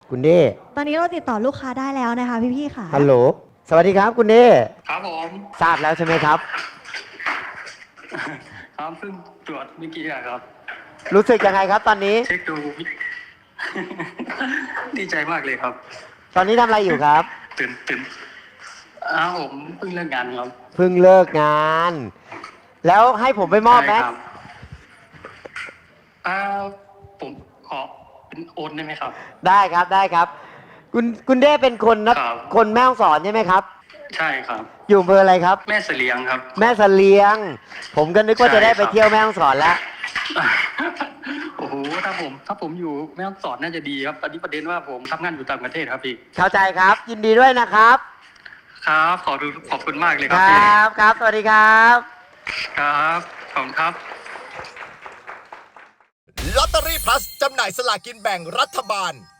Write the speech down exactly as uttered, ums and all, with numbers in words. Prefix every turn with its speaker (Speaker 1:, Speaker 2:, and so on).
Speaker 1: คุณเด้
Speaker 2: ตอนนี้เราติดต่อลูกค้าได้แล้วนะคะพี่ๆค่ะ
Speaker 1: ฮัลโหลสวัสดีครับคุณเด้
Speaker 3: ครับผม
Speaker 1: ทราบแล้วใช่ไหมครับ
Speaker 3: ครับเพิ่งตรวจเมื่อกี้อะครับ
Speaker 1: รู้สึกยังไงครับตอนนี้
Speaker 3: เช็คดู ดีใจมากเลยครับ
Speaker 1: ตอนนี้ทำอะไรอยู่ครับ
Speaker 3: ตื่นตื่นอ้าวผมเพิ่งเลิกงานครับ
Speaker 1: เพิ่งเลิกงาน แล้วให้ผมไปมอบไหม
Speaker 3: ใช่ครับอ้าวผมขอเป็นโอนได้ไหมครับ
Speaker 1: ได้ครับได้ครับ คุณคุณเด้เป็นคนนะครับ คนแม่ฮ่องสอนใช่ไหมครับ
Speaker 3: ใช่ครับ
Speaker 1: อยู่อำเภออะไรครับ
Speaker 3: แม่เสลียงครับ
Speaker 1: แม่เสลียง ผมก็นึกว่าจะได้ไป
Speaker 3: ใช่ครับ
Speaker 1: เที่ยวแม่ฮ่องสอนแล้ว
Speaker 3: โอ้โหถ้าผมถ้าผมอยู่แม่ฮ่องสอนน่าจะดีครับตอนนี้ประเด็นว่าผมทำงานอยู่ต่างประเทศครับพี่
Speaker 1: เข้าใจครับ ยินดีด้วยนะครับ
Speaker 3: ครับขอดูขอบคุณมากเลยค
Speaker 1: ครับ
Speaker 3: พี่
Speaker 1: รับครับสวัสดีครับ
Speaker 3: ครับขอบคุณครับ
Speaker 4: ลอตเตอรี่พลัสจำหน่ายสลากินแบ่งรัฐบาล